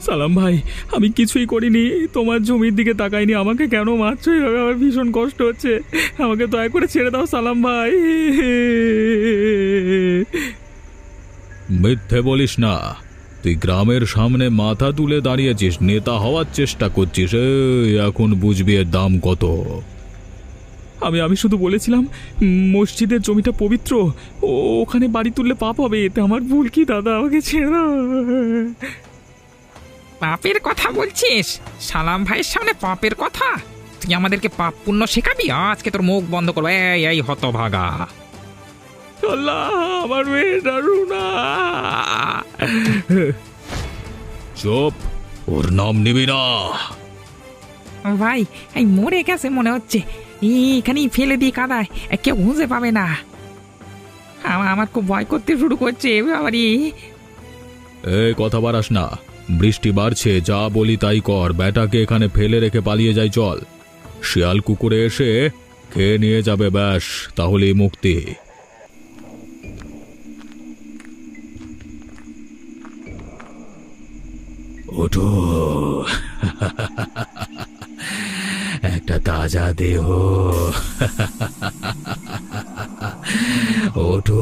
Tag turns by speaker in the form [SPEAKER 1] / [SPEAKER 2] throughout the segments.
[SPEAKER 1] সালাম ভাই, আমি কিছুই করিনি, তোমার জমির দিকে তাকাইনি, আমাকে কেন মারছো এভাবে? আমার ভীষণ কষ্ট হচ্ছে, আমাকে দয়া করে ছেড়ে দাও সালাম ভাই।
[SPEAKER 2] মিথ্যে বলিস না। তুই গ্রামের সামনে মাথা তুলে দাঁড়িয়েছিস, নেতা হওয়ার চেষ্টা করছিস। এখন বুঝবি এর দাম কত।
[SPEAKER 1] আমি শুধু বলেছিলাম মসজিদের জমিটা পবিত্র, ওখানে বাড়ি তুললে পাপ হবে, এতে আমার ভুল কি দাদা? আমাকে ছেড়ে দাও।
[SPEAKER 3] পাপের কথা বলছিস? সালাম ভাইয়ের সামনে পাপের কথা? তুই আমাদেরকে পাপ পুণ্য শেখাবি? আজকে তোর মুখ বন্ধ করবো। এই হতভাগা!
[SPEAKER 1] আল্লাহ, আমার মেয়েটা রুনা।
[SPEAKER 2] চুপ, ওর নাম নিবি না।
[SPEAKER 3] ভাই, এই মরে গেছে মনে হচ্ছে, এখানেই ফেলে দিই কাদায়, কেউ খুঁজে পাবে না। আমার খুব ভয় করতে শুরু করছে বাবারি।
[SPEAKER 2] এই কথা বাড়াস না, বৃষ্টি বাড়ছে, যা বলি তাই কর। ব্যাটাকে এখানে ফেলে রেখে পালিয়ে যাই চল। শিয়াল কুকুরে এসে খেয়ে নিয়ে যাবে, ব্যাস, তাহলেই মুক্তি। ওঠো, একটা তাজা দেহ। ওঠো।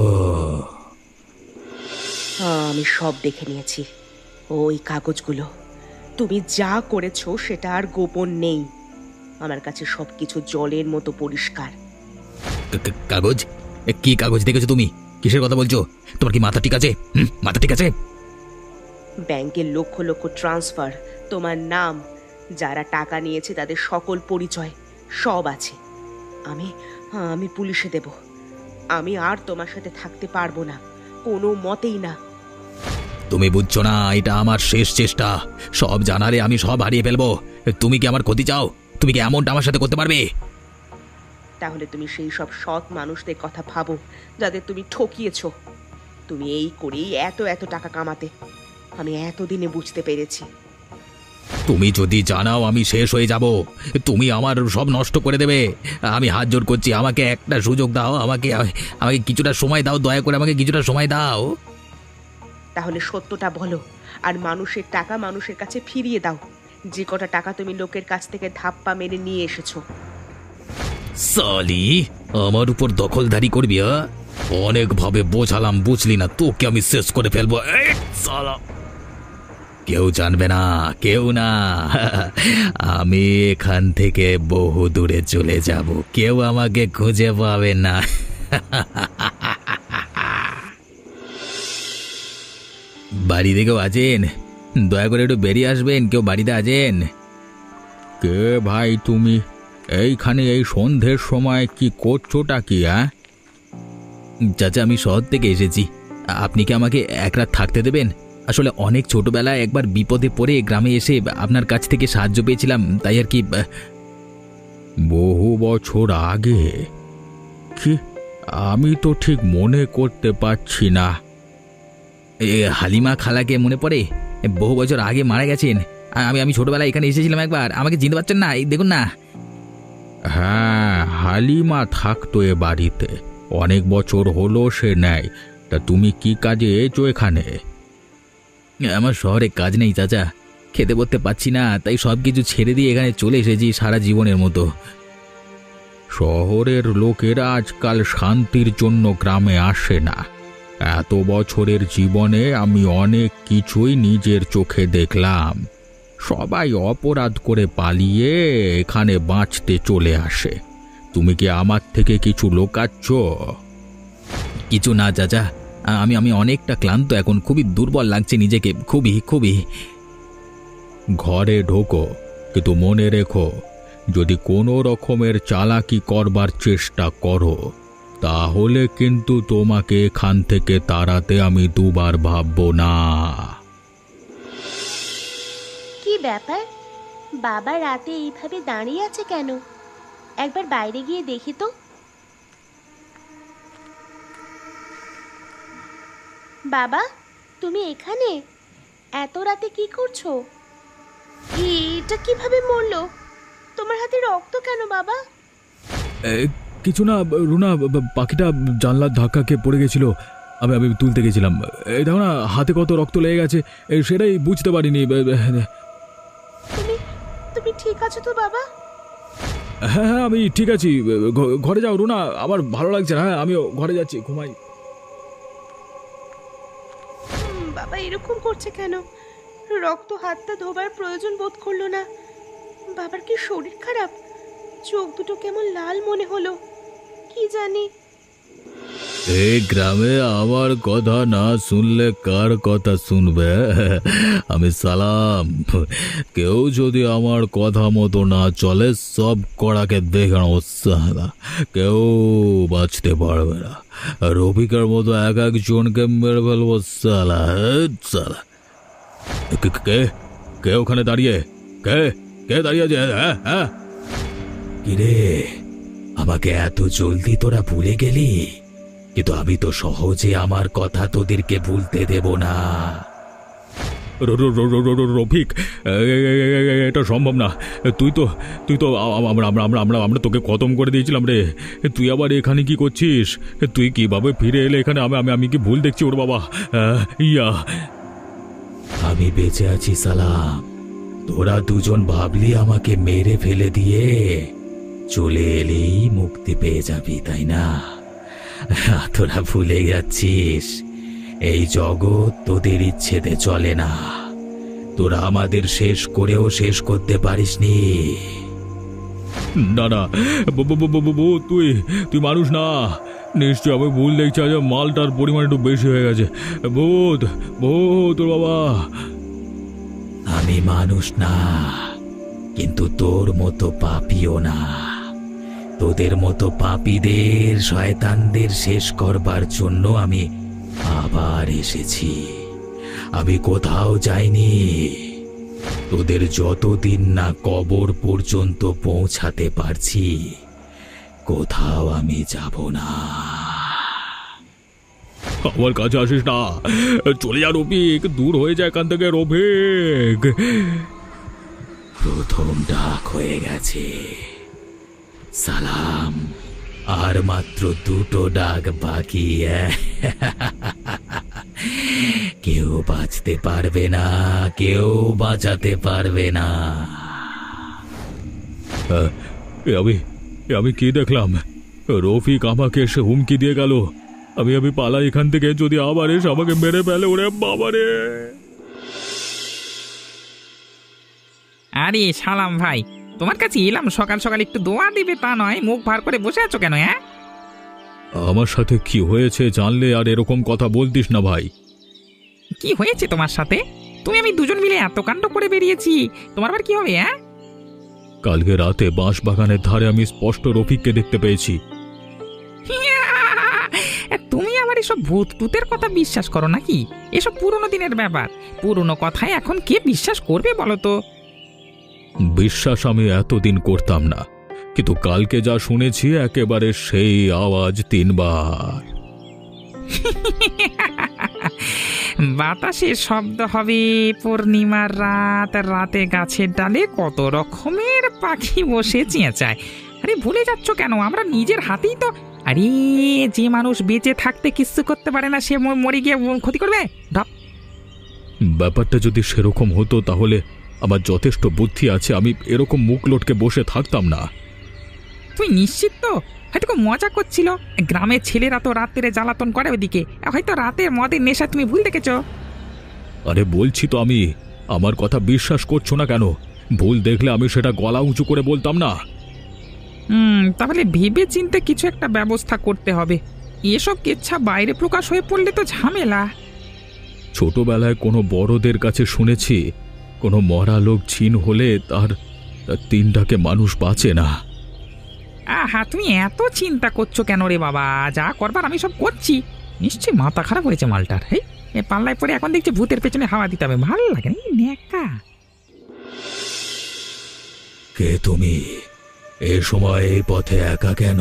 [SPEAKER 4] আমি সব দেখে নিয়েছি, ওই কাগজগুলো। তুমি যা করেছো সেটা আর গোপন নেই, আমার কাছে সবকিছু জলের মতো পরিষ্কার।
[SPEAKER 2] কাগজ? কি কাগজ দেখেছো তুমি? কিসের কথা বলছো? তোমার কি মাথা ঠিক আছে? মাথা ঠিক আছে?
[SPEAKER 4] ব্যাংকের লক্ষ লক্ষ ট্রান্সফার, তোমার নাম, যারা টাকা নিয়েছে তাদের সকল পরিচয় সব আছে। আমি আমি পুলিশে দেব। আমি আর তোমার সাথে থাকতে পারবো না, কোনো মতেই না।
[SPEAKER 2] তুমি বুঝছো না, এটা আমার শেষ চেষ্টা। সব জানালে আমি সব হারিয়ে ফেলবো। তুমি কি আমার ক্ষতি চাও? তুমি কি এমনটা আমার সাথে করতে পারবে?
[SPEAKER 4] তাহলে তুমি সেই সব সৎ মানুষদের কথা ভাবো যাদের তুমি ঠকিয়েছো। তুমি এই করেই এত এত টাকা কামাতে, আমি এতদিনে বুঝতে পেরেছি।
[SPEAKER 2] তুমি যদি জানাও আমি শেষ হয়ে যাব, তুমি আমার সব নষ্ট করে দেবে। আমি হাত জোড় করছি, আমাকে একটা সুযোগ দাও, আমাকে আমাকে কিছুটা সময় দাও, দয়া করে আমাকে কিছুটা সময় দাও।
[SPEAKER 4] তাহলে সত্যটা বলো, আর মানুষের টাকা মানুষের কাছে ফিরিয়ে দাও, যে কটা টাকা তুমি লোকের কাছ থেকে ধাপ্পা মেরে নিয়ে এসেছো।
[SPEAKER 2] সালি, আমার উপর দখলদারি করবি? অনেকভাবে বোঝালাম, বুঝলি না? তোকে আমি শেষ করে ফেলবো। কেউ জানবে না, কেউ না। আমি এখান থেকে বহু দূরে চলে যাব, কেউ আমাকে খুঁজে পাবে না। বাড়িতে কেউ আছেন? দয়া করে একটু বেরিয়ে আসবেন, কেউ বাড়িতে আছেন? কে ভাই তুমি? এইখানে এই সন্ধ্যের সময় কি করছোটা কি? চাচা, আমি শহর থেকে এসেছি। আপনি কি আমাকে এক রাত থাকতে দেবেন? আসলে অনেক ছোটবেলায় একবার বিপদে পড়ে গ্রামে এসে আপনার কাছ থেকে সাহায্য পেয়েছিলাম, তাই আর কি। বহু বছর আগে? কি, আমি তো ঠিক মনে করতে পারছি না। হালিমা খালাকে মনে পড়ে? বহু বছর আগে মারা গেছেন। আমি ছোটবেলায় এখানে এসেছিলাম একবার, আমাকে চিনতে পারছেন না? এই দেখুন না। হ্যাঁ, হালিমা থাকতো এ বাড়িতে, অনেক বছর হলো সে নেয়। তা তুমি কি কাজে এসো এখানে? আমার শহরে কাজ নেই চাচা, খেতে পড়তে পারছি না, তাই সব কিছু ছেড়ে দিয়ে এখানে চলে এসেছি সারা জীবনের মতো। শহরের লোকেরা আজকাল শান্তির জন্য গ্রামে আসে না। এত বছরের জীবনে আমি অনেক কিছুই নিজের চোখে দেখলাম। সবাই অপরাধ করে পালিয়ে এখানে বাঁচতে চলে আসে। তুমি কি আমার থেকে কিছু লোকাচ্ছ? কিছু না চাচা, আমি অনেকটা ক্লান্ত এখন, খুবই দুর্বল লাগছে নিজেকে, খুবই খুবই। ঘরে ঢোকো, কিন্তু মনে রেখো, যদি কোনো রকমের চালাকি করবার চেষ্টা করো তাহলে কিন্তু তোমাকে এখান থেকে তাড়াতে আমি দুবার ভাববো না।
[SPEAKER 5] কি ব্যাপার, বাবা রাতে এইভাবে দাঁড়িয়ে আছে কেন? একবার বাইরে গিয়ে দেখি তো। বাবা, তুমি এখানে এত রাতে কি করছো? এটা কিভাবে মরলো? তোমার হাতে রক্ত কেন বাবা?
[SPEAKER 1] কিছু না রুনা, পাখিটা জানলার ধাক্কা খেয়ে পড়ে গেছিল,
[SPEAKER 2] আমি আমি তুলতে গেছিলাম। এই দেখো না, হাতে কত রক্ত লেগে গেছে, সেটাই বুঝতে পারিনি।
[SPEAKER 5] তুমি তুমি ঠিক আছো তো বাবা?
[SPEAKER 2] হ্যাঁ হ্যাঁ, আমি ঠিক আছি। ঘরে যাও রুনা, আমার ভালো লাগছে না। হ্যাঁ, আমিও ঘরে যাচ্ছি, ঘুমাই।
[SPEAKER 5] বাবা এরকম করছে কেন? রক্ত হাতটা ধোবার প্রয়োজন বোধ করলো না। বাবার কি শরীর খারাপ? চোখ দুটো কেমন লাল মনে হলো, কি জানি।
[SPEAKER 2] এই গ্রামে আমার কথা না শুনলে কার কথা শুনবে? আমি সালাম। কেউ যদি আমার কথা মতো না চলে, সব কড়াকে দেখে নেবো সালা। কেউ বাঁচতে পারবে না। রফিকের মতো এক একজনকে মেরে ফেলবো সালা। সালা কে কে ওখানে দাঁড়িয়ে? কে কে দাঁড়িয়ে আছে? হ্যাঁ হ্যাঁ, কিরে আমাকে এত জলদি তোরা ভুলে গেলি? কিন্তু আমি তো সহজে আমার কথা তোদেরকে ভুলতে দেব না। রফিক, এটা সম্ভব না। তুই তো আমরা তোকে খতম করে দিয়েছিলাম রে। তুই আবার এখানে কি করছিস? তুই কিভাবে ফিরে এলে এখানে? আমি কি ভুল দেখছি ওর বাবা? ইয়া, আমি বেঁচে আছি সালাম। তোরা দুজন ভাবলি আমাকে মেরে ফেলে দিয়ে চলে এলেই মুক্তি পেয়ে যাবি, তাই না? তোরা ভুলে যাচ্ছিস, এই জগৎ তোদের ইচ্ছেতে চলে না। তোরা আমাদের শেষ করেও শেষ করতে পারিসনি। না না, তুই মানুষ না। নিশ্চয় আমি ভুল দেখছি। আজ মালটার পরিমাণ একটু বেশি হয়ে গেছে। ভূত তোর বাবা। আমি মানুষ না, কিন্তু তোর মতো পাপিও না। তোদের মতো পাপীদের, শয়তানদের শেষ করবার জন্য আমি আবার এসেছি। আমি কোথাও যাইনি। তোদের যতদিন না কবর পর্যন্ত পৌঁছাতে পারছি, কোথাও আমি যাব না। আমার কাছে আসিস না, চলে যা রফিক, দূর হয়ে যায় এখান থেকে রফিক। প্রথম ডাক হয়ে গেছে সালাম, আর মাত্র দুটো ডাক বাকি। কেউ বাঁচতে পারবে না, কেউ বাঁচাতে পারবে না। আমি কি দেখলাম? রফিক আমাকে এসে হুমকি দিয়ে গেল। আমি পালাই এখান থেকে, যদি আবার এসে আমাকে মেরে ফেলে। ওরে বাবারে!
[SPEAKER 3] আরে সালাম ভাই, তোমার কাছে এলাম সকাল সকাল, একটু দোয়া দিবে তা নয়, মুখ ভার করে বসে আছো কেন? হ্যাঁ,
[SPEAKER 2] আমার সাথে কি হয়েছে জানলে আর এরকম কথা বলতিস না ভাই।
[SPEAKER 3] কি হয়েছে তোমার সাথে? তুমি আমি দুজন মিলে এত কাণ্ড করে বেরিয়েছি, তোমার আবার কি হবে? হ্যাঁ,
[SPEAKER 2] কালকে রাতে বাঁশ বাগানের ধারে আমি স্পষ্ট রফিককে দেখতে পেয়েছি।
[SPEAKER 3] তুমি আবার এসব ভূত টুতের কথা বিশ্বাস করো নাকি? এসব পুরনো দিনের ব্যাপার, পুরনো কথায় এখন কে বিশ্বাস করবে বলো তো?
[SPEAKER 2] বিশ্বাস আমি এতদিন করতাম না, কিন্তু কালকে যা শুনেছি একেবারে সেই আওয়াজ 3 বার।
[SPEAKER 3] বাতাসে শব্দ হবে, পূর্ণিমার রাত, রাতে গাছের ডালে কত রকমের পাখি বসে চেঁচায়। আরে ভুলে যাচ্ছ কেন? আমরা নিজের হাতেই তো। আরে যে মানুষ বেঁচে থাকতে কিচ্ছু করতে পারে না, সে মরে গিয়ে ক্ষতি করবে? ঢপ।
[SPEAKER 2] ব্যাপারটা যদি সেরকম হতো তাহলে আমার যথেষ্ট বুদ্ধি আছে, আমি এরকম মুখ লটকে বসে থাকতাম না।
[SPEAKER 3] তুই নিশ্চিত তো? হয়তো খুব মজা করছিল। গ্রামের ছেলেরা তো রাত্রে জ্বালাতন করে ওইদিকে, হয়তো রাতের মদের নেশা তুমি ভুল দেখেছ।
[SPEAKER 2] আরে বলছি তো আমি, আমার কথা বিশ্বাস করছো না কেন? ভুল দেখলে আমি সেটা গলা উঁচু করে বলতাম না?
[SPEAKER 3] তাহলে ভেবে চিন্তে কিছু একটা ব্যবস্থা করতে হবে। এসব কেচ্ছা বাইরে প্রকাশ হয়ে পড়লে তো ঝামেলা।
[SPEAKER 2] ছোটবেলায় কোনো বড়দের কাছে শুনেছি, কোনো মরা লোক ছিন হলে তার 3টাকে মানুষ বাঁচে না।
[SPEAKER 3] আহা, তুমি এত চিন্তা করছো কেন রে বাবা? যা করবার আমি সব করছি। নিশ্চয়ই মাথা খারাপ হয়েছে মালটার। হেই, এ পাল্লায় পরে এখন দেখছি ভূতের পেছনে হাওয়া দিতে হবে। ভালো লাগে না নেকা।
[SPEAKER 2] কে তুমি? এ সময় এই পথে একা কেন?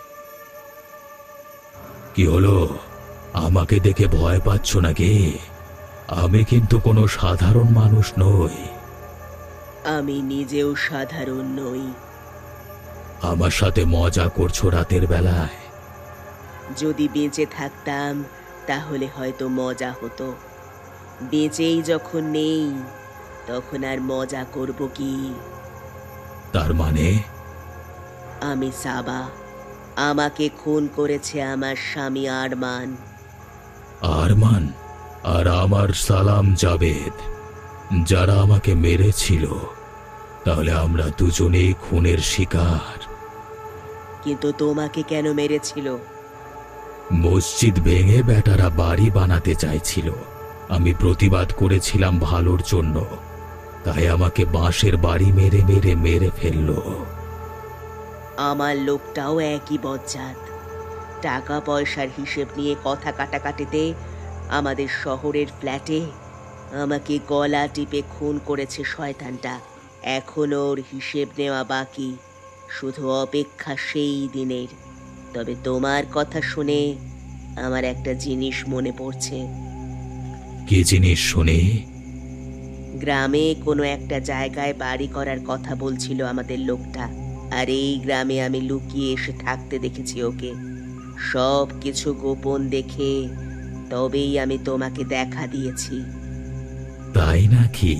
[SPEAKER 2] কি হলো? আমাকে দেখে ভয় পাচ্ছ নাকি? আমি কিন্তু কোনো সাধারণ মানুষ নই।
[SPEAKER 4] আমি নিজেও সাধারণ নই।
[SPEAKER 2] আমার সাথে মজা করছো রাতের বেলায়?
[SPEAKER 4] যদি বেঁচে থাকতাম তাহলে হয়তো মজা হতো। বেঁচেই যখন নেই তখন আর মজা করব কি?
[SPEAKER 2] তার মানে
[SPEAKER 4] আমি সাবা, আমাকে খুন করেছে আমার স্বামী আরমান।
[SPEAKER 2] আরমান আর আমার সালাম জাবেদ যারা আমাকে মেরেছিল, তাহলে আমরা দুজনেই খুনের শিকার।
[SPEAKER 4] কিন্তু তোমাকে কেন মেরেছিল?
[SPEAKER 2] মসজিদ ভেঙে বেটারা বাড়ি বানাতে চাইছিল। আমি প্রতিবাদ করেছিলাম ভালোর জন্য, তাই আমাকে বাঁশের বাড়ি মেরে মেরে মেরে ফেললো।
[SPEAKER 4] আমার লোকটাও একই বজ্জাত। টাকা পয়সার হিসেব নিয়ে কথা কাটাকাটিতে আমাদের শহরের ফ্ল্যাটে আমাকে গলা টিপে খুন করেছে শয়তানটা। এখনো ওর হিসেব নেওয়া বাকি, শুধু অপেক্ষা সেই দিনের। তবে তোমার কথা শুনে আমার একটা জিনিস মনে পড়ছে।
[SPEAKER 2] কি জিনিস শুনি?
[SPEAKER 4] গ্রামে কোনো একটা জায়গায় বাড়ি করার কথা বলছিল আমাদের লোকটা, আর এই গ্রামে আমি লুকিয়ে এসে থাকতে দেখেছি ওকে। সব কিছু গোপন দেখে তবেই আমি তোমাকে দেখা দিয়েছি।
[SPEAKER 2] তাই নাকি?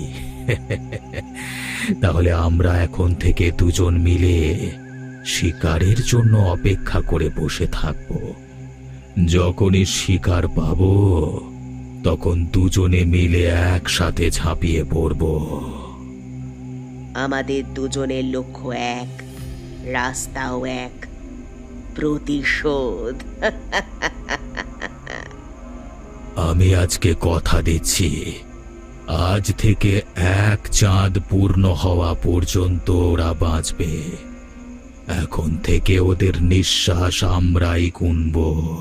[SPEAKER 2] তাহলে আমরা এখন থেকে দুজন মিলে শিকারের জন্য অপেক্ষা করে বসে থাকব। যখনই শিকার পাবো তখন দুজনে মিলে একসাথে ঝাঁপিয়ে পড়ব।
[SPEAKER 4] আমাদের দুজনের লক্ষ্য এক, রাস্তাও এক, প্রতিশোধ।
[SPEAKER 2] আমি আজকে কথা দিচ্ছি, আজ থেকে এক চাঁদ পূর্ণ হওয়া পর্যন্ত ওরা বাঁচবে। এখন থেকে ওদের নিঃশ্বাস আমরাই গুনব।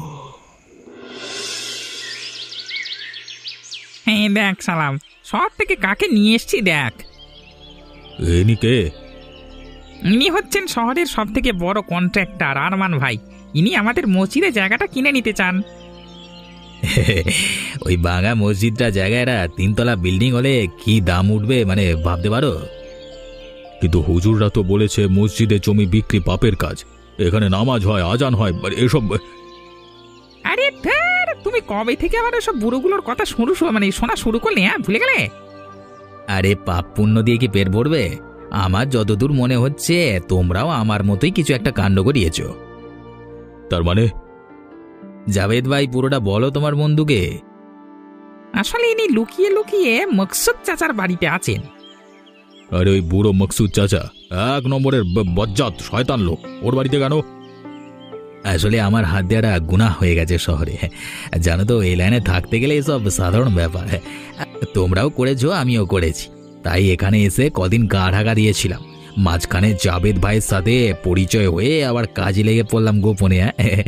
[SPEAKER 3] হ্যাঁ দেখ সালাম, শহর থেকে কাকে নিয়ে এসছি দেখ।
[SPEAKER 2] ইনি কে?
[SPEAKER 3] ইনি হচ্ছেন শহরের সব থেকে বড় কন্ট্রাক্টর আরমান ভাই। ইনি আমাদের মসজিদে জায়গাটা কিনে নিতে চান।
[SPEAKER 2] ওই বাঙা মসজিদটা জায়গাটা 3 তলা বিল্ডিং হলে কি দাম উঠবে মানে ভাবতে পারো? কিন্তু হুজুররা তো বলেছে মসজিদে জমি বিক্রি পাপের কাজ, এখানে নামাজ হয়, আজান হয়, এসব।
[SPEAKER 3] আরে ধ্যার, তুমি কবে থেকে আবার সব বুড়োগুলোর কথা শোনা শুরু করলে? হ্যাঁ, ভুলে গেলে?
[SPEAKER 2] আরে পাপ পুণ্য দিয়ে কি পেট ভরবে? আমার যতদূর মনে হচ্ছে তোমরাও আমার মতোই কিছু একটা কাণ্ড করিয়েছ। তার মানে? জাভেদ ভাই, পুরোটা বলো তোমার বন্ধুকে।
[SPEAKER 3] আসলে ইনি লুকিয়ে লুকিয়ে মকসুদ চাচার বাড়িতে আছেন।
[SPEAKER 2] আরে ওই বুড়ো মকসুদ চাচা 1 নম্বরের বজ্জাত শয়তান লোক, ওর বাড়িতে কেন? আসলে আমার হাত দেওয়াটা গুনাহ হয়ে গেছে শহরে, জানো তো। এই লাইনে থাকতে গেলে এসব সাধারণ ব্যাপার। তোমরাও করেছো, আমিও করেছি, তাই এখানে এসে কদিন গা ঢাকা দিয়েছিলাম। মাঝখানে জাভেদ ভাইয়ের সাথে পরিচয় হয়ে আবার কাজে লেগে পড়লাম গোপনে।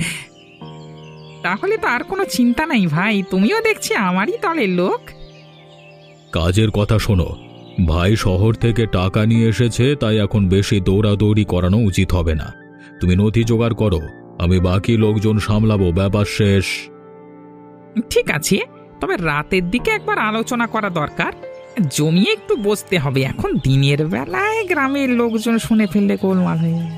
[SPEAKER 3] তাহলে তো আর কোনো চিন্তা নাই ভাই, তুমিও দেখছি আমারই দলের লোক।
[SPEAKER 2] কাজের কথা শোনো, ভাই শহর থেকে টাকা নিয়ে এসেছে, তাই এখন বেশি দৌড়াদৌড়ি করানো উচিত হবে না। তুমি নথি জোগাড় করো, আমি বাকি লোকজন সামলাবো, ব্যাপার শেষ।
[SPEAKER 3] ঠিক আছে, তবে রাতের দিকে একবার আলোচনা করা দরকার। জমিয়ে একটু বসতে হবে, এখন দিনের বেলায় গ্রামের লোকজন শুনে ফেললে গোলমাল হয়ে যাবে।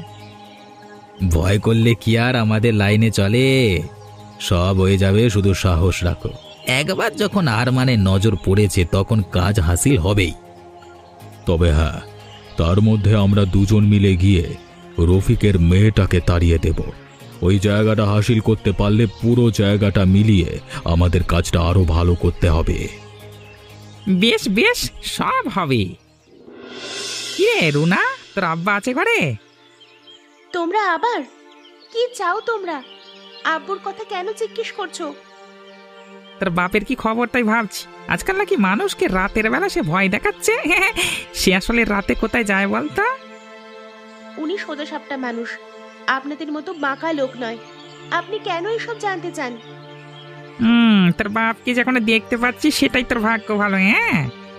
[SPEAKER 2] ভয় করলে কি আর আমাদের লাইনে চলে? সব হয়ে যাবে, শুধু সাহস রাখো। একবার যখন আরমানের নজর পড়েছে তখন কাজ হাসিল হবেই। তবে হ্যাঁ, তার মধ্যে আমরা দুজন মিলে গিয়ে রফিকের মেয়েটাকে তাড়িয়ে দেব। ওই জায়গাটা হাসিল করতে পারলে পুরো জায়গাটা মিলিয়ে আমাদের কাজটা আরো ভালো করতে হবে।
[SPEAKER 3] বেশ বেশ, সব হবে। কিরে রুনা, তোর আব্বা আছে ঘরে?
[SPEAKER 5] তোমরা আবার কি চাও? তোমরা আব্বুর কথা কেন জিজ্ঞেস করছো?
[SPEAKER 3] তোর বাপের কি খবর তাই ভাবছি। আজকাল নাকি মানুষকে রাতের বেলা সে ভয় দেখাচ্ছে। সে আসলে রাতে কোথায় যায় বলতো?
[SPEAKER 5] উনি সোজা সাপটা মানুষ, আপনাদের মতো বাঁকা লোক নয়। আপনি কেন এসব জানতে চান?
[SPEAKER 3] তোর বাপকে যখন দেখতে পাচ্ছি সেটাই তোর ভাগ্য ভালো। হ্যাঁ,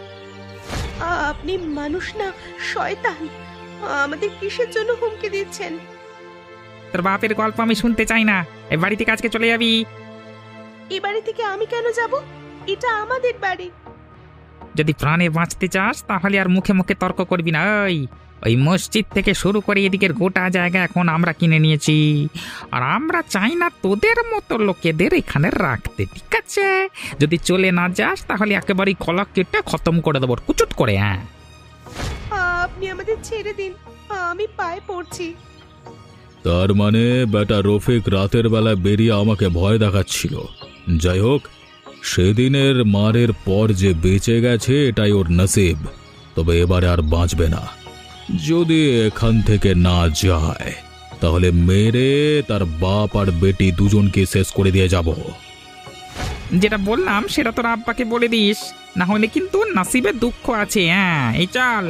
[SPEAKER 5] আপনি মানুষ না শয়তান। আমাদের কিসের জন্য হুমকি দিচ্ছেন?
[SPEAKER 3] তোর বাপের গল্প আমি শুনতে চাই না। এই বাড়ি থেকে আজকে চলে যাবি।
[SPEAKER 5] এই বাড়ি থেকে আমি কেন যাব? এটা আমাদের বাড়ি।
[SPEAKER 3] যদি প্রাণে বাঁচতে চাস তাহলে আর মুখে মুখে তর্ক করবি না। ওই ওই মসজিদ থেকে শুরু করে এদিকের গোটা জায়গা এখন আমরা কিনে নিয়েছি, আর আমরা চাই না তোদের মতো লোকেদের এখানে রাখতে, ঠিক আছে? যদি চলে না যাস তাহলে একেবারেই কলা কেটে খতম করে দেবো কুচুট করে। হ্যাঁ,
[SPEAKER 5] আপনি আমাদের ছেড়ে দিন, আমি পায়ে পড়ছি।
[SPEAKER 2] তার মানে বেটা রফিক রাতের বেলা বেরিয়ে আমাকে ভয় দেখাচ্ছিল। যাই হোক, সেদিনের মারের পর যে বেঁচে গেছে এটাই ওর নসিব। তবে এবারে আর বাঁচবে না। যদি এখান থেকে না যায় তাহলে মেরে তার বাপ আর বেটি দুজনকে শেষ করে দিয়ে যাব।
[SPEAKER 3] যেটা বললাম সেটা তোর আব্বাকে বলে দিস, না হলে কিন্তু নাসিবে দুঃখ আছে। হ্যাঁ, এই চল।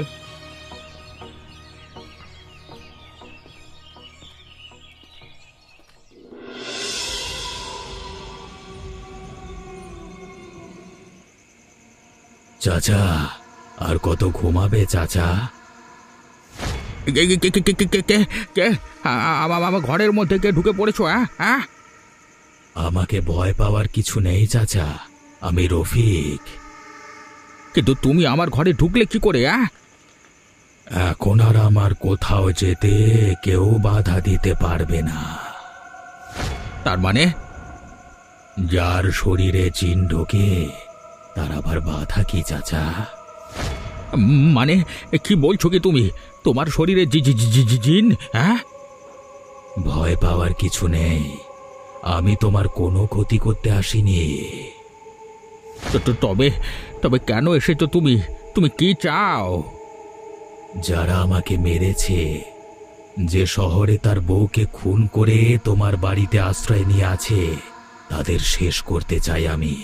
[SPEAKER 2] চাচা, আর কত ঘুমাবে চাচা? আমার ঘরের মধ্যে কে ঢুকে পড়েছো? হ্যাঁ, আমাকে ভয় পাওয়ার কিছু নেই চাচা, আমি রফিক। কিন্তু তুমি আমার ঘরে ঢুকলে কি করে? এখন আর আমার কোথাও যেতে কেউ বাধা দিতে পারবে না। তার মানে যার শরীরে জিন ঢোকে তার আবার বাধা কি চাচা? মানে কি বলছো কি তুমি? তোমার শরীরে জিন? হ্যাঁ, ভয় পাওয়ার কিছু নেই, আমি তোমার কোনো ক্ষতি করতে আসিনি। তবে তবে কেন এসেছো তুমি? তুমি কি চাও? যারা আমাকে মেরেছে, যে শহরে তার বউকে খুন করে তোমার বাড়িতে আশ্রয় নিয়ে আছে, তাদের শেষ করতে চাই আমি।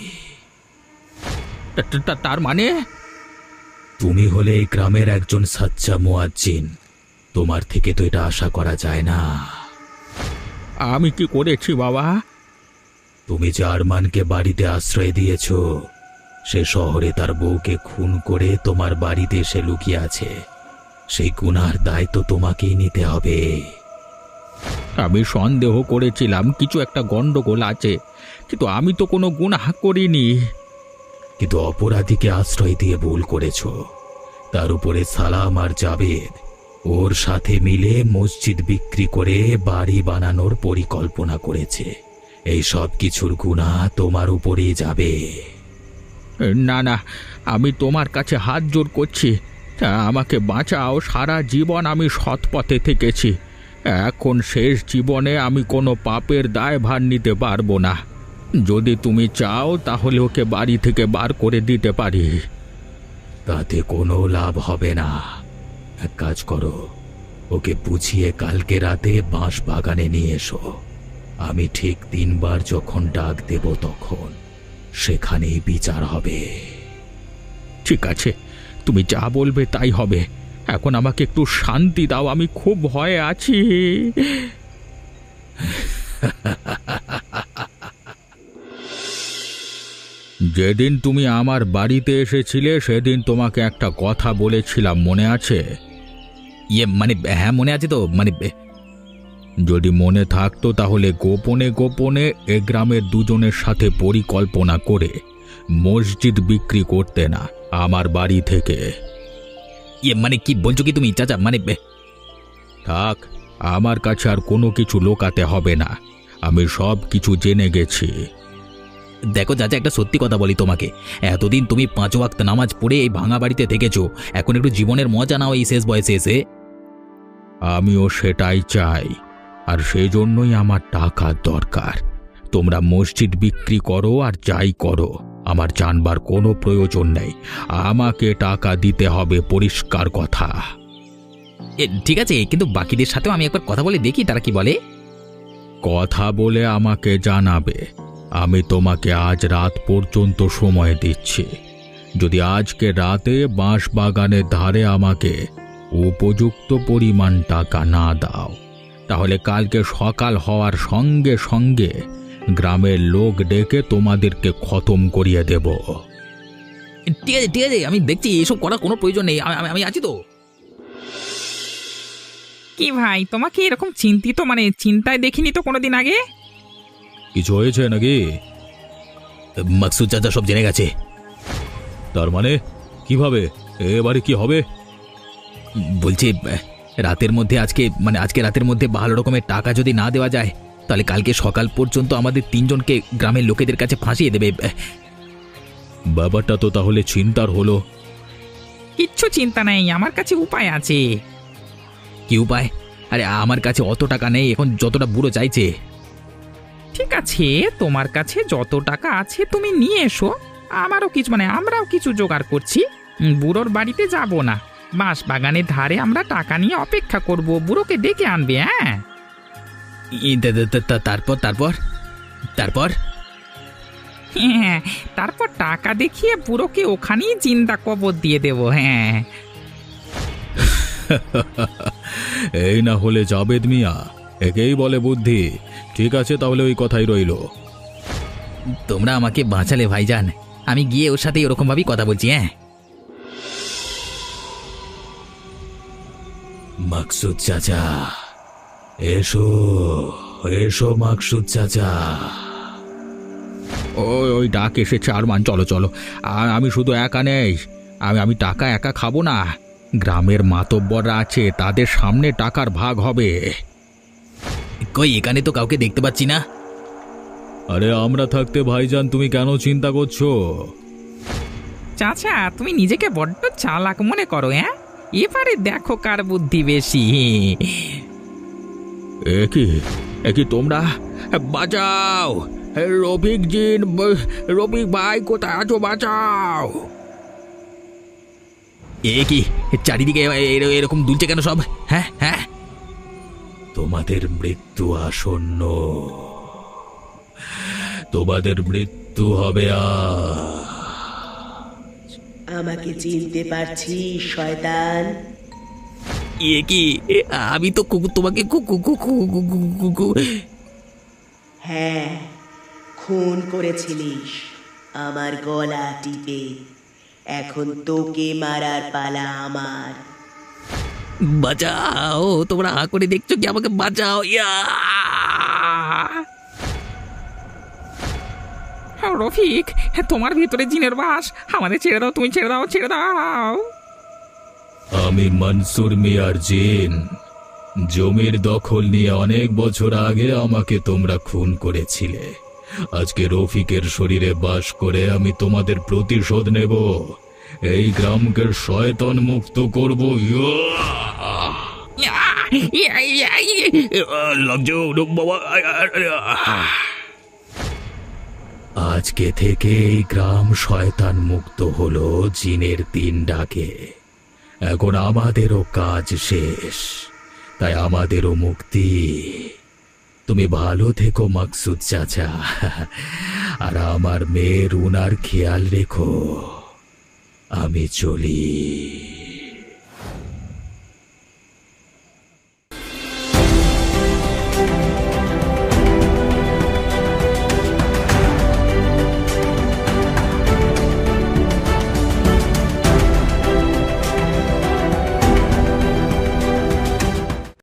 [SPEAKER 2] তার মানে তুমি হলে এই গ্রামের একজন সাচ্চা মুয়াজ্জিন, তোমার থেকে তো এটা আশা করা যায় না। আমি কি করেছি বাবা? তুমি যে আরমানকে বাড়িতে আশ্রয় দিয়েছ, সে শহরে তার বউকে খুন করে তোমার বাড়িতে এসে লুকিয়ে আছে। সেই গুনার দায় তো তোমাকেই নিতে হবে। আমি সন্দেহ করেছিলাম কিছু একটা গন্ডগোল আছে, কিন্তু আমি তো কোনো গুনাহ করিনি। কিন্তু অপরাধীকে আশ্রয় দিয়ে ভুল করেছ। তার উপরে সালাম আর জাবেদ ওর সাথে মিলে মসজিদ বিক্রি করে বাড়ি বানানোর পরিকল্পনা করেছে। এই সব কিছুর গুনাহ তোমার উপরেই যাবে। না না, আমি তোমার কাছে হাত জোড় করছি, আমাকে বাঁচাও। সারা জীবন আমি সৎ পথে থেকেছি, এখন শেষ জীবনে আমি কোনো পাপের দায়ভার নিতে পারবো না। যদি তুমি চাও তাহলে ওকে বাড়ি থেকে বার করে দিতে পারি। তাতে কোনো লাভ হবে না। এক কাজ করো, ওকে বুঝিয়ে কালকে রাতে বাঁশ বাগানে নিয়ে এসো। আমি ঠিক 3 বার যখন ডাক দেব তখন সেখানেই বিচার হবে। ঠিক আছে, তুমি যা বলবে তাই হবে। এখন আমাকে একটু শান্তি দাও, আমি খুব ভয়ে আছি। যেদিন তুমি আমার বাড়িতে এসেছিলে সেদিন তোমাকে একটা কথা বলেছিলাম, মনে আছে? মানে হ্যাঁ, মনে আছে তো। মানে যদি মনে থাকতো তাহলে গোপনে গোপনে এ গ্রামের দুজনের সাথে পরিকল্পনা করে মসজিদ বিক্রি করতে না আমার বাড়ি থেকে। মানে কি বলছো কি তুমি চাচা? মানে থাক, আমার কাছে আর কোনো কিছু লোকাতে হবে না, আমি সব কিছু জেনে গেছি। দেখো চাচা, একটা সত্যি কথা বলি তোমাকে, এতদিন তুমি 5 ওয়াক্ত নামাজ পড়ে এই ভাঙা বাড়িতে থেকেছো, এখন একটু জীবনের মজা নাও এই শেষ বয়সে এসে। আমিও সেটাই চাই, আর সেই জন্যই আমার টাকার দরকার। তোমরা মসজিদ বিক্রি করো আর যাই করো, আমার জানবার কোনো প্রয়োজন নেই। আমাকে টাকা দিতে হবে, পরিষ্কার কথা। ঠিক আছে, কিন্তু বাকিদের সাথেও আমি একবার কথা বলে দেখি তারা কি বলে। কথা বলে আমাকে জানাবে। আমি তোমাকে আজ রাত পর্যন্ত সময় দিচ্ছি। যদি আজকে রাতে বাঁশ বাগানের ধারে আমাকে উপযুক্ত পরিমাণ টাকা না দাও, তাহলে কালকে সকাল হওয়ার সঙ্গে সঙ্গে গ্রামের লোক ডেকে তোমাদেরকে খতম করিয়ে দেব। ঠিক আছে ঠিক আছে, আমি দেখছি, এসব করার কোনো প্রয়োজন নেই, আমি আছি তো।
[SPEAKER 3] কি ভাই, তোমাকে এরকম চিন্তিত, মানে চিন্তায় দেখিনি তো কোনোদিন আগে।
[SPEAKER 2] কিছু হয়েছে নাকি? মাকসুদ চাচা সব জেনে গেছে। তার মানে কিভাবে? এবারে কি হবে? বলছি রাতের মধ্যে আজকে রাতের মধ্যে ভালো রকমের টাকা যদি না দেওয়া যায় তাহলে কালকে সকাল পর্যন্ত আমাদের তিনজনকে গ্রামের লোকেদের কাছে ফাঁসিয়ে দেবে। ব্যাপারটা তো তাহলে চিন্তার হলো।
[SPEAKER 3] কিচ্ছু চিন্তা নেই, আমার কাছে উপায় আছে।
[SPEAKER 2] কি উপায়? আরে আমার কাছে অত টাকা নেই এখন, যতটা বুড়ো চাইছে।
[SPEAKER 3] ঠিক আছে, তোমার কাছে যত টাকা আছে তুমি নিয়ে এসো। আমরাও কিছু জোগাড় করছি। বুড়োর বাড়িতে যাব না, বাঁশ বাগানের ধারে আমরা টাকা নিয়ে অপেক্ষা করব, বুড়োকে ডেকে আনবে। হ্যাঁ,
[SPEAKER 2] তারপর তারপর তারপর
[SPEAKER 3] হ্যাঁ, তারপর টাকা দেখিয়ে বুড়োকে ওখানেই জিন্দা কবর দিয়ে দেব। হ্যাঁ,
[SPEAKER 2] এই না হলে জাবেদ মিয়া, একেই বলে বুদ্ধি। ঠিক আছে, তাহলে ওই কথাই রইল। তোমরা আমাকে বাঁচালে ভাইজান, আমি গিয়ে ওর সাথে ওরকম ভাবেই কথা বলছি। হ্যাঁ, মাকসুদ চাচা, এসো এসো মাকসুদ চাচা। ওই ডাক এসেছে আরমান, চলো চলো। আর আমি শুধু একা নেই, আমি টাকা একা খাবো না, গ্রামের মাতব্বররা আছে, তাদের সামনে টাকার ভাগ হবে। কই এখানে তো কাউকে দেখতে পাচ্ছি না। আরে আমরা থাকতে ভাইজান তুমি কেন চিন্তা করছো?
[SPEAKER 3] চাচা তুমি নিজেকে বড্ড চালাক মনে করো। হ্যাঁ, এবারে দেখো কার বুদ্ধি বেশি।
[SPEAKER 2] একই তোমরা বাঁচাও! রফিক ভাই কোথায় আছো? বাঁচাও! কি চারিদিকে এরকম দুলছে কেন সব? হ্যাঁ হ্যাঁ, তোমাদের মৃত্যু আসন্ন, তোমাদের মৃত্যু হবে।
[SPEAKER 4] আমাকে চিনতে পারছিস শয়তান?
[SPEAKER 2] কি আমি তো তোমাকে
[SPEAKER 4] হ্যাঁ, খুন করেছিলিস আমার গলা টিপে। এখন তোকে মারার পালা আমার।
[SPEAKER 2] বাঁচাও! তোমরা হা করে দেখছো কি? আমাকে বাঁচাও!
[SPEAKER 3] রফিক, তোমার ভিতরে জিনের বাস, আমাদের ছেড়ে দাও, তুমি ছেড়ে দাও, ছেড়ে দাও।
[SPEAKER 2] আমি মনসুর মিয়ার জিন। জমির দখল নিয়ে অনেক বছর আগে আমাকে তোমরা খুন করেছিলে। আজকে রফিকের শরীরে বাস করে আমি তোমাদের প্রতিশোধ নেব। এই গ্রামকে শয়তান মুক্ত করব। আজকে থেকে এই গ্রাম শয়তান মুক্ত হলো জিনের দিন ডাকে। এখন আমাদেরও কাজ শেষ, তাই আমাদেরও মুক্তি। তুমি ভালো থেকো মাকসুদ চাচা, আর আমার মেয়ের উনার খেয়াল রেখো। আমি চলি।